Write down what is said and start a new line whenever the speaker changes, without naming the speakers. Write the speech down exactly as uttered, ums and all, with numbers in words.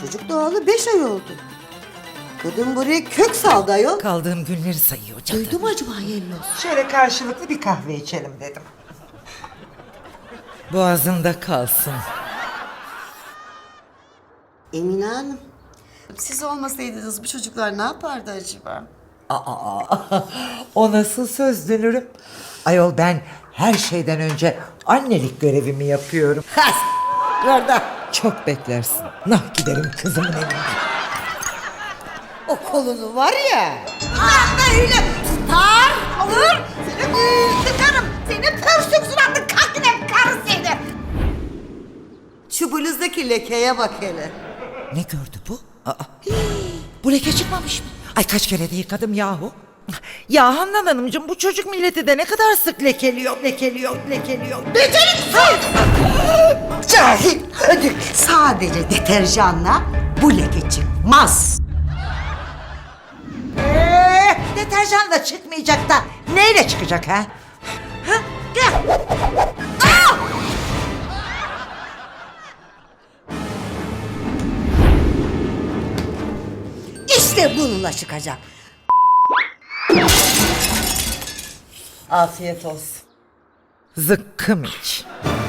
Çocuk doğalı beş ay oldu. Kadın buraya kök saldı ayol.
Kaldığım günleri sayıyor cadı.
Duydu mu acaba Yellos?
Şöyle karşılıklı bir kahve içelim dedim.
Boğazında kalsın.
Emine Hanım, siz olmasaydınız bu çocuklar ne yapardı acaba?
Aa, o nasıl söz dönürüm? Ayol ben her şeyden önce annelik görevimi yapıyorum.
Has! Orada.
Çok beklersin. Nah giderim kızımın evine.
O kolunu var ya. Ah öyle tutar alır. Seni tıkarım. Seni pörsük suratlı kakine karı seni. Şu bluzdaki lekeye bak hele.
Ne gördü bu? Aa, hii, bu leke çıkmamış mı? Ay kaç kere de yıkadım yahu. Ya Handan Hanımcığım bu çocuk milleti de ne kadar sık lekeliyor, lekeliyor, lekeliyor.
Beceriksiz! Cahil ödük. Sadece deterjanla bu leke çıkmaz.
Ee, deterjanla çıkmayacak da neyle çıkacak ha? Ha? Gel.
Aa! İşte bununla çıkacak.
Afiyet olsun. Zıkkım iç.